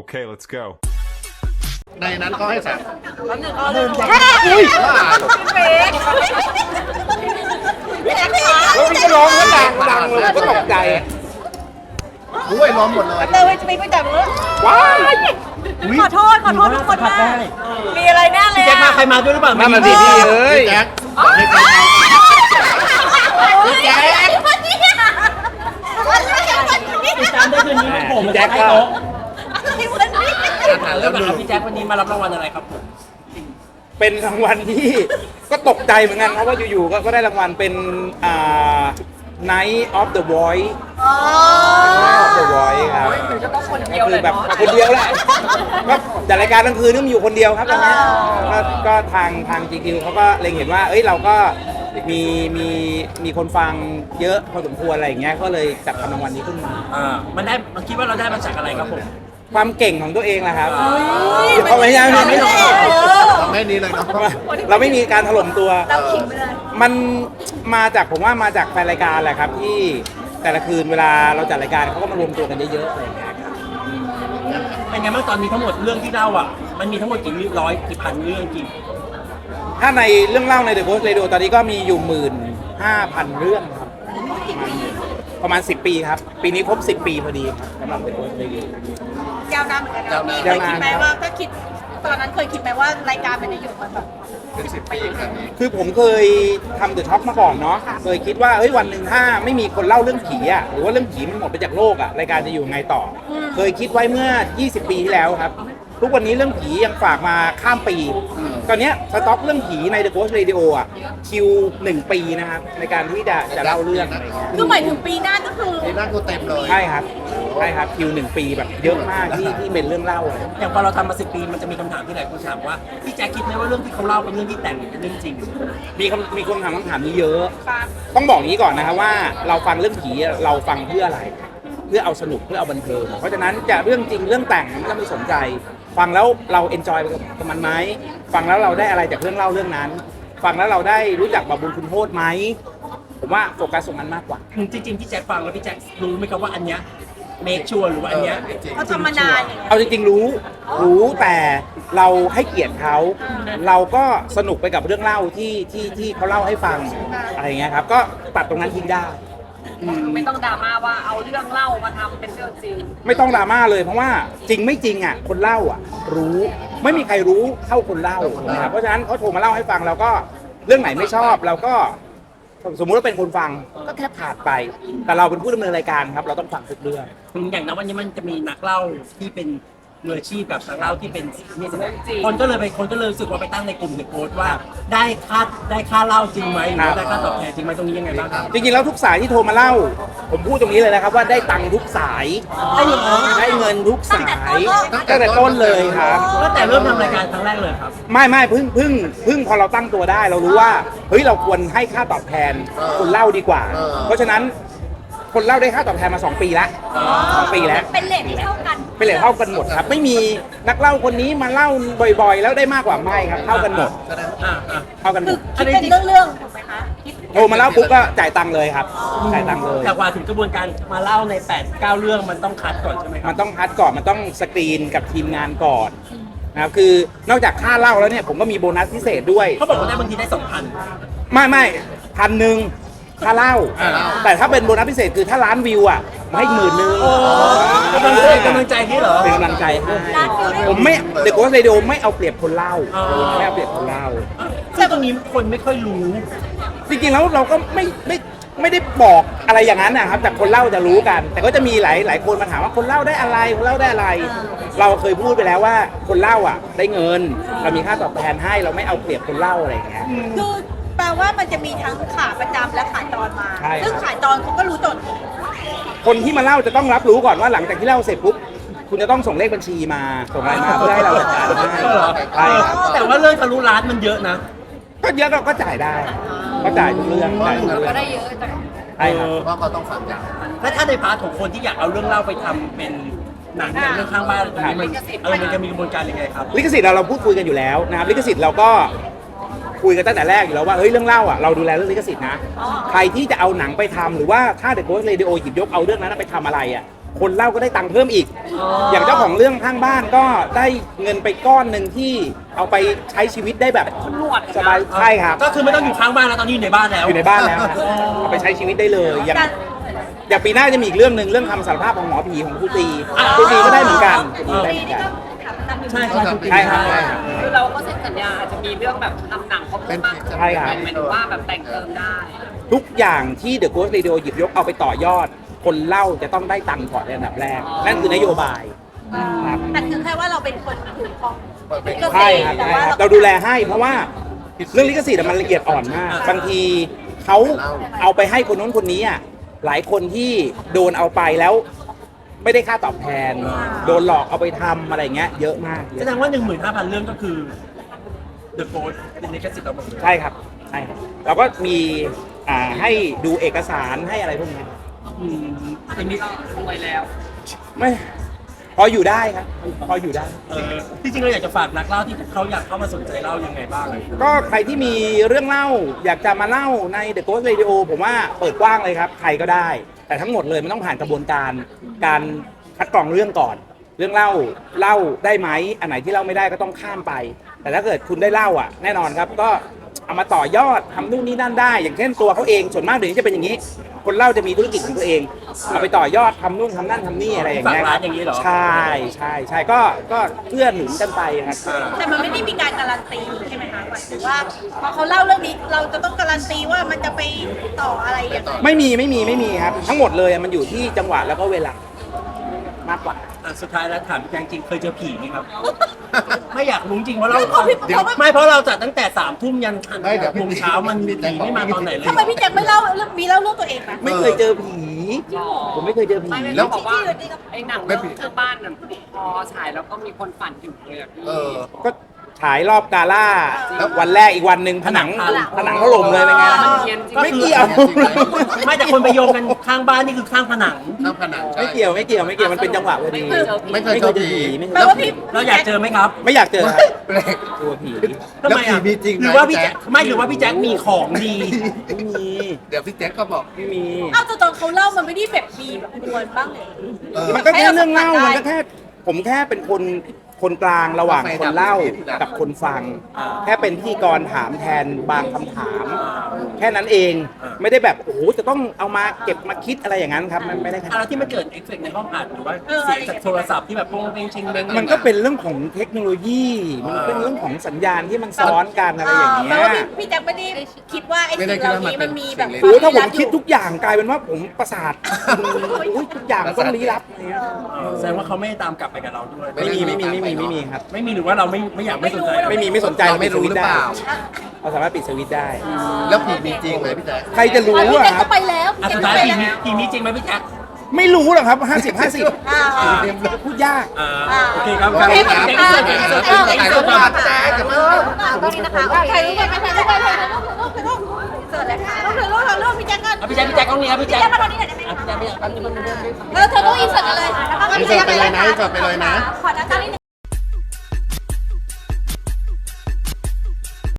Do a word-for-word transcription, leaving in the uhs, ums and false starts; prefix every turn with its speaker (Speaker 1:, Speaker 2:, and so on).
Speaker 1: Okay, let's go.
Speaker 2: ในนั้นเขาให้สั่ง
Speaker 3: แล้วหนึ่งเอาหนึ่งแจ็ค
Speaker 2: อุ้ย
Speaker 3: เฟกแจ็คขา
Speaker 4: แล้วพี่ก็ร้องก็ดังดังเลยก็ตกใจ
Speaker 2: อุ้ยล้อมหมดเลย
Speaker 3: เตอร์ไปจะไปจับมือ
Speaker 4: ว้าย
Speaker 3: ขอโทษขอโทษทุกคนมากมีอะไรแน่เลย
Speaker 5: แจ็คมาใครมาด้วยหรือเปล่า
Speaker 4: นั่นน่ะสิพี่เอ้ย
Speaker 2: พี่แจ็คบอกให้ใครเอา
Speaker 3: แจ็ค
Speaker 5: ติดตามได้คืนนี้ครับผม
Speaker 4: แจ็คก็
Speaker 5: โต๊ะ
Speaker 3: วันนี้
Speaker 5: เริ่มกับพี่แจ็ควันนี้มารับรางวัลอะไรครับผม
Speaker 4: เป็นรางวัลที่ ก็ตกใจเหมือนกันครับว่าอยู่ๆก็ก็ได้รางวัลเป็นอ่า Night of the Voice
Speaker 3: อ๋อ
Speaker 4: Night of the Voice ครับ
Speaker 3: จะต้องคนเดียว
Speaker 4: ก็
Speaker 3: เล
Speaker 4: คื
Speaker 3: ย
Speaker 4: อแบบ
Speaker 3: เนาะ
Speaker 4: คนเดียวแหละก็จัดรายการกลางคืนนี่มันอยู่คนเดียวครับตอนนี้ก็ก็ทางทาง จี คิว เขาก็เล็งเห็นว่าเอ้ยเราก็มีมีมีคนฟังเยอะพอสมควรอะไรอย่างเงี้ยก็เลยจัดทำรางวัลนี้ขึ้นมา
Speaker 5: อ่ามันได้มันคิดว่าเราได้มาจากอะไรครับผม
Speaker 4: ความเก่งของตัวเองแหละครับเขาไม่ใช่ไม่
Speaker 3: ไม่
Speaker 4: ใช่
Speaker 3: ได้
Speaker 2: ทำให้นี้เลยเนาะ
Speaker 4: เราไม่มีการถล่มตัว
Speaker 3: เราขิงไปเลย
Speaker 4: มันมาจากผมว่ามาจากแฟนรายการแหละครับที่แต่ละคืนเวลาเราจัดรายการเขาก็มารวมตัวกันเยอะๆอะไรอย่างเงี้ยครับ
Speaker 5: เป็นไงบ้างตอนนี้ทั้งหมดเรื่องที่เล่าอ่ะมันมีทั้งหมดกี่ร้อยกี่พันเรื่องกี่
Speaker 4: ถ้าในเรื่องเล่าใน The Ghost Radio ตอนนี้ก็มีอยู่หมื่นห้าพันเรื่องครับประมาณสิบปีครับ ปีนี้ครบสิบปีพอดีครับสำหรับ The Ghost Radio
Speaker 3: ยาวนานเหมือนกันนะ
Speaker 2: ยาวนาน
Speaker 3: เคยคิดไหมว่าถ้าคิดตอนนั้นเคยคิดไหมว่ารายการมันจะอยู่มาแบบ
Speaker 2: เป็นสิบปีขนาดนี้
Speaker 4: คือผมเคยทำ The Talk มาก่อนเนาะเคยคิดว่าเฮ้ยวันหนึ่งถ้าไม่มีคนเล่าเรื่องผีอะหรือว่าเรื่องผีมันหมดไปจากโลกอะรายการจะอยู่ไงต่ออเคยคิดไว้เมื่อ ยี่สิบ ปีที่แล้วครับ ทุกวันนี้เรื่องผียังฝากมาข้ามปี ตอนเนี้ยสต็อกเรื่องผีใน The Ghost Radio อะคิวหนึ่งปีนะครับในการที่จะจะเล่าเรื่องอะไรเงี้ย
Speaker 3: คือหมายถึงปีหน้าก็คือ
Speaker 2: นี่นั่งก็เต็มเลย
Speaker 4: ใช่ครับใช่ครับคิวหนึ่งปีแบบเยอะมากที่ที่เป็นเรื่องเล่าอะ
Speaker 5: อย่างพอเราทำมาสิบปีมันจะมีคำถามที่หลายคนถามว่าพี่แจ็คคิดไหมว่าเรื่องที่เขาเล่าเป็นเรื่องที่แต่งหรือเป็นเรื่องจริง
Speaker 4: มีคำมีคนถามคำถามนี้เยอะ ต้องบอกอย่างนี้ก่อนนะครับว่าเราฟังเรื่องผีเราฟังเพื่ออะไร เพื่อเอาสนุกเพื่อเอาบันเทิงเพราะฉะนั้นจะเรื่องจริงเรื่องแต่งมันก็ไม่สนใจ ฟังแล้วเราเอนจอยไปกับมันไหมฟังแล้วเราได้อะไรจากเรื่องเล่าเรื่องนั้น ฟังแล้วเราได้รู้จักบาปบุญคุณโทษไหมผมว่าโฟกัสตรงนั้นมากกว่า
Speaker 5: จริงๆพี่แจ็คฟังแล้วพี่แจ็ครู้ไหมครับว่าอันเนี้ยเมคชัวร์หรือว่าอันเนี้ย
Speaker 3: เขาทำมานานอย่างเงี้ย
Speaker 4: เอาจริงๆรู้รู้แต่เราให้เกียรติเขาเราก็สนุกไปกับเรื่องเล่าที่ที่ที่เขาเล่าให้ฟังอะไรอย่างเงี้ยครับก็ตัดตรงนั้นทิ้งได้
Speaker 3: ไม่ต้องดราม่าว่าเอาเรื่องเล่ามาทำเป็นเรื่องจริง
Speaker 4: ไม่ต้องดราม่าเลยเพราะว่าจริงไม่จริงอ่ะคนเล่าอ่ะ รู้ไม่มีใครรู้เท่าคนเล่านะครับเพราะฉะนั้นเขาโทรมาเล่าให้ฟังเราก็เรื่องไหนไม่ชอบเราก็สมมุติว่าเป็นคนฟังก็แค่ผ่านไป แต่เราเป็นผู้ดำเนินรายการครับเราต้องฟังทุกเรื่อง
Speaker 5: อย่างนั้นวันนี้มันจะมีนักเล่าที่เป็นมืออาชีพแบบนักเล่าที่เป็นนี่คนก็เลยไปคนก็เลยรู้สึกว่าไปตั้งในกลุ่มในโพสต์ว่าได้ค่าได้ค่าเล่าจริงไหมหรือได้ค่าตอบแทนจริงไหมตรงนี้ยังไงบ้างครับ
Speaker 4: จริงๆแล้วทุกสายที่โทรมาเล่า ผมพูดตรงนี้เลยนะครับว่าได้ตังค์ทุกสาย
Speaker 5: ได้เงินเหรอ
Speaker 4: ได้เงินทุกสายตั้งแต่ต้นเลยครับ
Speaker 5: ตั้งแต่เริ่มทำรายการครั้งแรกเลยครับ
Speaker 4: ไม่ไม่เพึ่งเพึ่งเพึ่งพอเราตั้งตัวได้เรารู้ว่าเฮ้ยเราควรให้ค่าตอบแทนคนเล่าดีกว่า เพราะฉะนั้นคนเล่าได้ค่าตอบแทนมาสองปีแล้วสองปีแล้ว
Speaker 3: เป็นเลทที่เท่ากัน
Speaker 4: เป็นเลทเท่ากันหมดครับ ไม่มีนักเล่าคนนี้มาเล่าบ่อยๆ แล้วได้มากกว่าไม่ครับเท่ากันหมด
Speaker 5: อ่าอ่า
Speaker 4: เท่ากันหม
Speaker 3: คือ
Speaker 4: ด
Speaker 3: คิดเป็นเรื่องๆถูกไหมคะคิด
Speaker 4: โทรมาเล่าปุ๊บก็จ่ายตังค์เลยครับจ่ายตังค์เลย
Speaker 5: แต่กว่าถึงกระบวนการมาเล่าในแปด เก้าเรื่องมันต้องคัดก่อนใช่ไหมครั
Speaker 4: มั
Speaker 5: บ
Speaker 4: นต้องคัดก่อนมันต้องสกรีนกับทีมงานก่อนนะครับคือนอกจากค่าเล่าแล้วเนี่ยผมก็มีโบนัสพิเศษด้วย
Speaker 5: เขาบอกว่าได้บางทีได้สองพัน
Speaker 4: ไม่ไม่พันหนึ่งค่าเล่า แต่ถ้าเป็นโบนัสพิเศษคือถ้าล้านวิวอ่ะให้หมื่นหนึ่ง
Speaker 5: กำลังใจกำลังใจนี่เหรอ
Speaker 4: เป็นกำลังใจให้
Speaker 3: ร้านวิวได้
Speaker 4: ผมไม่เด็กโกสเรดิโอไม่เอาเปรียบคนเล่า
Speaker 5: อ๋อ
Speaker 4: ไม่เอาเปรียบคนเล่า
Speaker 5: ซึ่งตรงนี้คนไม่ค่อยรู้
Speaker 4: จริงๆแล้วเราก็ไม่ไม่ไม่ได้บอกอะไรอย่างนั้นนะครับแต่คนเล่าจะรู้กัน แต่ก็จะมีหลายหลายคนมาถามว่าคนเล่าได้อะไรคนเล่าได้อะไร เราเคยพูดไปแล้วว่าคนเล่าอ่ะได้เงิน เรามีค่าตอบแทนให้เราไม่เอาเปรียบคนเล่าอะไรอย่างเงี้ย
Speaker 3: คือแปลว่ามันจะมีทั้งขาประจำและขาจรมา
Speaker 4: ใช่ครับ
Speaker 3: ซึ่งขาจรเขาก็รู้จด
Speaker 4: คนที่มาเล่าจะต้องรับรู้ก่อนว่าหลังจากที่เล่าเสร็จปุ๊บคุณจะต้องส่งเลขบัญชีมาส่งอะไรมาเพื่อให้เราจัดการให้ใช่ครับ
Speaker 5: แต่ว่าเรื่องทะลุล้านมันเยอะนะ
Speaker 4: ก็เยอะก็ก็จ่ายได้ก็จ่ายทุกเรื่องจ่ายทุกเรื่อง
Speaker 3: ก็ได้เยอะแต่
Speaker 4: ใช่ครับ
Speaker 2: เพราะเขาต้องฟังอย่าง
Speaker 5: และถ้าในพาร์ทของคนที่อยากเอาเรื่องเล่าไปทำเป็นหนังอย่างเรื่องข้างบ้านตรงนี้มันเออมันจะมีกระบวนการยังไงครับ
Speaker 4: ลิขสิทธิ์เราเราพูดคุยกันอยู่แล้วนะครับลิขสิทธิ์เราก็คุยกันตั้งแต่แรกอยู่แล้วว่าเฮ้ยเรื่องเล่าอ่ะเราดูแลเรื่องลิขสิทธิ์นะใครที่จะเอาหนังไปทำหรือว่าถ้า The Ghost Radio หยิบยกเอาเรื่องนั้นไปทำอะไรอ่ะคนเล่าก็ได้ตังค์เพิ่มอีก อย่างเจ้าของเรื่องข้างบ้านก็ได้เงินไปก้อนหนึ่งที่เอาไปใช้ชีวิตได้แบบ
Speaker 3: หนวด
Speaker 4: สบายใช่ครับ
Speaker 5: ก็คือไม่ต้องอยู่ข้างบ้านแล้วตอนนี้อยู่ในบ้านแล้ว
Speaker 4: อยู่ในบ้านแล้วครับเอาไปใช้ชีวิตได้เลยอย่างอย่างปีหน้าจะมีอีกเรื่องหนึ่งเรื่องคำสารภาพของหมอผีของครูตีครูตีก็ได้เหมือนกันครูตีได้เหมือนกัน
Speaker 5: ใช่ใช่ถูก
Speaker 4: ใช่ครับใช่ครับ
Speaker 3: คือเราก็เซ็นสัญญาอาจจะมีเรื่องแบบทำหนังเขาเพิ่มมากขึ้น
Speaker 4: ใช่ครับ
Speaker 3: หมายถึงว่าแบบแต่งเติมได้
Speaker 4: ทุกอย่างที่ The Ghost Radio หยิบยกเอาไปต่อยอด คนเล่าจะต้องได้ตังค์ก่อนในอันดับแรก นั่นคือนโยบายครับ
Speaker 2: แต่คือแค่ว่าเราเป็นคนถือของลิข
Speaker 4: ใช่
Speaker 2: สิท
Speaker 4: ครับ
Speaker 2: ธิ์แต่
Speaker 4: ใช่
Speaker 2: ว่า
Speaker 4: ครับ
Speaker 2: เรา
Speaker 4: เราดูแลให้เพราะว่าเรื่องลิขสิทธิ์อะมันละเอียดอ่อนมาก บางทีเขาเอาไปให้คนนู้นคนนี้อ่ะหลายคนที่โดนเอาไปแล้ว ไม่ได้ค่าตอบแทน โดนหลอกเอาไปทำอะไรเงี้ยเยอะมากเย
Speaker 5: แส
Speaker 4: อะ
Speaker 5: ดงว่าหนึ่งหมื่นห้าพันเรื่องก็คือ The Ghost เป็นลิขสิทธิ์เราหมดเลย
Speaker 4: ใช่ครับใช่ครับเราก็มีอ่าให้ดูเอกสารให้อะไรพวกนี้
Speaker 5: อืมอย่างนี้
Speaker 3: รวยแล้ว
Speaker 4: ไม่พออยู่ได้ครับ พออยู่ได้
Speaker 5: เออที่จริงเราอยากจะฝากนักเล่าที่เขาอยากเข้ามาสนใจเล่ายังไงบ้าง
Speaker 4: ก็ใครที่มีเรื่องเล่าอยากจะมาเล่าใน The Ghost Radio ผมว่าเปิดกว้างเลยครับ ใครก็ได้ แต่ทั้งหมดเลยมันต้องผ่านกระบวนการการคัดกรองเรื่องก่อน เรื่องเล่าเล่าได้ไหมอันไหนที่เล่าไม่ได้ก็ต้องข้ามไป แต่ถ้าเกิดคุณได้เล่าอ่ะแน่นอนครับก็เอามาต่อยอดทำนู่นนี่นั่นได้ อย่างเช่นตัวเขาเองส่วนมากเดี๋ยวนี้จะเป็นอย่างนี้ คนเล่าจะมีธุรกิจของตัวเองเอาไปต่อยอดทำนู่นทำนั่นทำนี่อะไรอย่างเงี้ย
Speaker 5: ฝากร้านอย่างนี้เหรอ
Speaker 4: ใช่ใช่ใช่ก็ก็เพื่อหนุนกันไปครับ
Speaker 2: แต่มันไม่ได้มีการการันตีใช่ไหมคะหมายถึงว่าพอเขาเล่าเรื่องนี้เราจะต้องการันตีว่ามันจะไปต่ออะไรอย่างไร
Speaker 4: ไม่มีไม่มีไม่มีครับ ทั้งหมดเลยมันอยู่ที่จังหวะแล้วก็เวลามากกว่า
Speaker 5: อ่ะสุดท้ายแล้วถามพี่แจงจริงเคยเจอผีไหมครับ ไม่อยากรู้จริงเพราะเรา
Speaker 2: เดี๋ยว
Speaker 5: ไม่เพราะเราจัดตั้งแต่สามทุ่มยัน
Speaker 1: ไม่เดี๋ยว
Speaker 5: โมงเช้ามันผีไม่มาตอนไหนเลย
Speaker 2: ทำไมพี่แจ็คไม่เล่าเรื่องมีเล่าเรื่องตัวเองไหม
Speaker 4: ไม่เคยเจอผี ผมไม่เคยเจอผี
Speaker 3: ไม่ไม่
Speaker 1: แล้
Speaker 3: แล้ว วบอกว่า
Speaker 2: ที่อื่นนี่ก็
Speaker 3: ไอ้หนังเรื่องข้างบ้านน่ะพอฉายแล้วก็มีคนฝันอยู่เลยอะพี่
Speaker 1: เออ
Speaker 4: ก็ฉายรอบกาล่าวันแรกอีกวันหนึ่งผนังผนังถล่มเลยเป็นไง
Speaker 3: มันเฮียนจริง
Speaker 4: ไม่เกี่ยว
Speaker 5: ไม่แต่คนไปโยงกันข้างบ้านนี่คือข้างผนัง
Speaker 1: ข้างผนังใช่
Speaker 4: ไม่เกี่ยวไม่เกี่ยวไม่เกี่ยวมันเป็นจังหวะพอดี
Speaker 3: ไม่เคยเจอผี
Speaker 1: ไม่เคยเจอผี
Speaker 4: ไม่เค
Speaker 2: แปล
Speaker 4: ย
Speaker 2: ว่าพี่
Speaker 5: เราอยากเจอไหมครับ
Speaker 4: ไม่อยากเจอครับ
Speaker 1: แปลก
Speaker 4: กลัวผี
Speaker 5: ทำไม
Speaker 1: แล้วผี
Speaker 5: อ่ะ
Speaker 1: มีจริงไหม
Speaker 5: หรือว่าพี่
Speaker 1: พี่แจ๊
Speaker 5: แจ็ค
Speaker 1: ค
Speaker 5: ไม่หรือว่าพี่แจ็คมีของดี
Speaker 4: ไม่มี
Speaker 1: เดี๋ยวพี่แจ็คก็บอก
Speaker 4: ไม่มี
Speaker 2: เอ้าแต่ตอนเขาเล่ามันไม่ได้แบบมีแบบมวลบ้างเลย
Speaker 1: เออ
Speaker 4: มันก็แค่เรื่องเล่ามันก็แค่ผมแค่เป็นคนคนกลางระหว่างคนเล่ากับคนฟัง แค่เป็นพิธีกรถามแทนบางคำถาม แค่นั้นเองไม่ได้แบบโอ้โหจะต้องเอามาเก็บมาคิดอะไรอย่างนั้นครับมันไม่ได้ขนาด
Speaker 5: อะไร
Speaker 4: นั้น
Speaker 5: ที่มันเกิดเอฟเฟกต์ในห้องอัดหรือว่าเสียงจากโทรศัพท์ที่แบบโป้งเป้งเชงเบ้ง
Speaker 4: มันก็เป็นเรื่องของเทคโนโลยี มันเป็นเรื่องของสัญญาณที่มันซ้อนกันอะไรอย่างเงี้
Speaker 2: แปล
Speaker 4: ย
Speaker 2: ว่าพี่พี่แจ็คไม่ได้คิดว่าไอ้สิ่งเหล่านี้มันมีแบบ
Speaker 4: โอ้โหถ้าผมคิดทุกอย่างกลายเป็นว่าผมประสาทอุ๊ยทุกอย่างต้องลี้ลับอะไรเงี้ย
Speaker 5: แสดงว่าเขาไม่ได้ตามกลับไปกับเราด้วย
Speaker 4: ไม่มีไม่มีไม่มีไม่มีครับ
Speaker 5: ไม่มีหรือว่าเราไม่ไม่อยากไม่สนใจ
Speaker 4: ไม่มีไม่สนใจ
Speaker 1: เราไม่รู้หรือเปล่า
Speaker 4: เราสามารถปิดสวิตช์ได้
Speaker 1: แล้วผีมีจริงไหมพี่แจ๊ค
Speaker 4: ใครจะรู้
Speaker 2: พี่
Speaker 4: อะ
Speaker 2: แจ็ค
Speaker 4: ครั
Speaker 2: ก็
Speaker 4: บ
Speaker 2: ไปแล้ว
Speaker 5: อ่ะสุดท้ายผีมีผีมีจริงไหมพี่แจ็ค
Speaker 4: ไม่รู้หรอกครับห้าสิบห้าสิบ
Speaker 2: อ่า
Speaker 4: พูดยาก
Speaker 5: อ่าโอเคครับ
Speaker 2: โอเคครับ
Speaker 5: เจ๊งเจ๊งเจ๊งเจ๊งเจ๊ง
Speaker 1: ถ่าย
Speaker 5: เจ๊
Speaker 1: รู
Speaker 5: ง
Speaker 1: ป
Speaker 5: เจ๊ง
Speaker 1: มาแจ๊คจะมา
Speaker 2: ตรงนี้นะคะโอเคถ่ายรูปไปถ่ายรูปไปถ่ายรูปถ่ายรูปถ่ายรูปเสร็จแล้วค่ะรูปถ่ายรูปถ่ายรูปพี่แจ็คก็
Speaker 5: อ่ะพี่แจ็คพี่แจ็คต้องนี้ครับพี่แจ็ค
Speaker 2: พี่แจ็คมาตรงนี้หน่อยได้ไหม
Speaker 5: อ่ะพี่แจ็คพี่แจ็คแป๊บนึงแป๊บนึงแป๊บนึง
Speaker 2: เออเธอต้องอินเสิร์ตกันเลยแล้วก็
Speaker 1: อินเสิร์ตไปเลยนะอินเสิร์ตไปเลยนะ
Speaker 2: ขอด้านนี้หนึ่ง